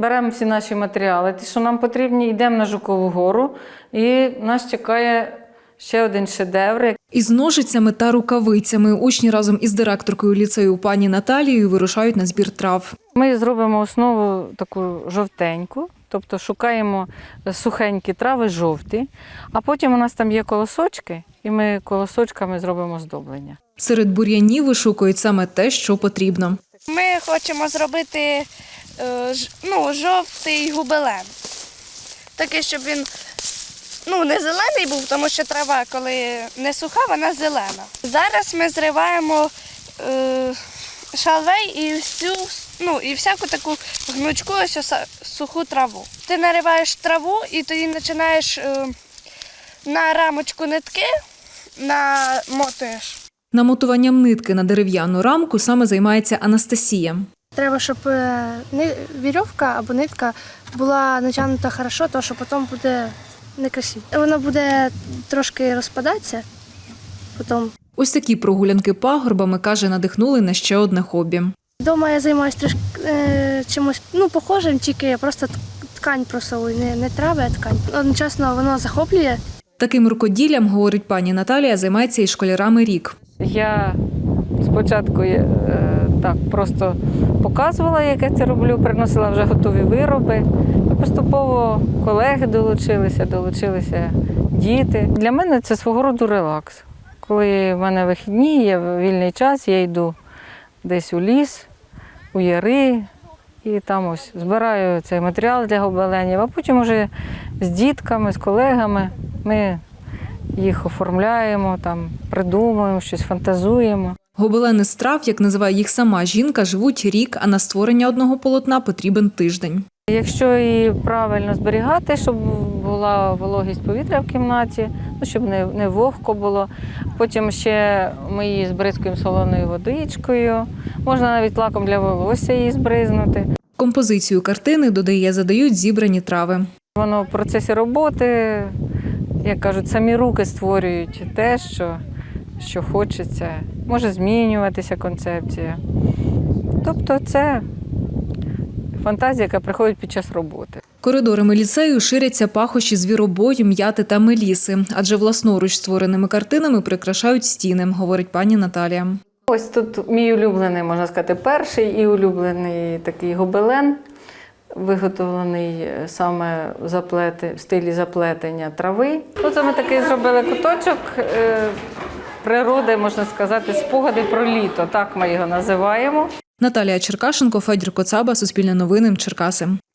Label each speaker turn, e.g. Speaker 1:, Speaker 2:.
Speaker 1: беремо всі наші матеріали, ті, що нам потрібні, йдемо на Жукову гору, і нас чекає ще один шедевр.
Speaker 2: Із ножицями та рукавицями учні разом із директоркою ліцею пані Наталією вирушають на збір трав.
Speaker 1: Ми зробимо основу таку жовтеньку, тобто шукаємо сухенькі трави жовті, а потім у нас там є колосочки, і ми колосочками зробимо оздоблення.
Speaker 2: Серед бур'янів вишукують саме те, що потрібно.
Speaker 3: Ми хочемо зробити жовтий гобелен. Такий, щоб він не зелений був, тому що трава, коли не суха, вона зелена. Зараз ми зриваємо шалвей і всяку таку гнучку суху траву. Ти нариваєш траву і тоді починаєш на рамочку нитки намотуєш.
Speaker 2: Намотуванням нитки на дерев'яну рамку саме займається Анастасія.
Speaker 3: Треба, щоб вірьовка або нитка була натягнута добре, тому що потім буде некрасиво. Вона буде трошки розпадатися потім.
Speaker 2: Ось такі прогулянки пагорбами, каже, надихнули на ще одне хобі.
Speaker 3: Вдома я займаюся трішки чимось похожим, тільки я просто ткань просовую, не трави, а ткань. Одночасно воно захоплює.
Speaker 2: Таким рукоділлям, говорить пані Наталія, займається із школярами рік.
Speaker 1: Я спочатку так просто показувала, як я це роблю, приносила вже готові вироби. І поступово колеги долучилися діти. Для мене це свого роду релакс. Коли в мене вихідні, є вільний час, я йду десь у ліс, у яри, і там ось збираю цей матеріал для гобеленів, а потім вже з дітками, з колегами ми їх оформляємо, там, придумуємо, щось фантазуємо.
Speaker 2: Гобелени з трав, як називає їх сама жінка, живуть рік, а на створення одного полотна потрібен тиждень.
Speaker 1: Якщо її правильно зберігати, щоб була вологість повітря в кімнаті, щоб не вогко було. Потім ще ми її збризкуємо солоною водичкою. Можна навіть лаком для волосся її збризнути.
Speaker 2: Композицію картини, додає, задають зібрані трави.
Speaker 1: Воно в процесі роботи, як кажуть, самі руки створюють те, що хочеться. Може змінюватися концепція. Тобто це фантазія, яка приходить під час роботи.
Speaker 2: Коридорами ліцею ширяться пахощі звіробою, м'яти та меліси, адже власноруч створеними картинами прикрашають стіни, говорить пані Наталія.
Speaker 1: Ось тут мій улюблений, можна сказати, перший і улюблений такий гобелен, виготовлений саме в стилі заплетення трави. Це ми такий зробили куточок природи, можна сказати, спогади про літо, так ми його називаємо.
Speaker 2: Наталія Черкашенко, Федір Коцаба, Суспільне новини, Черкаси.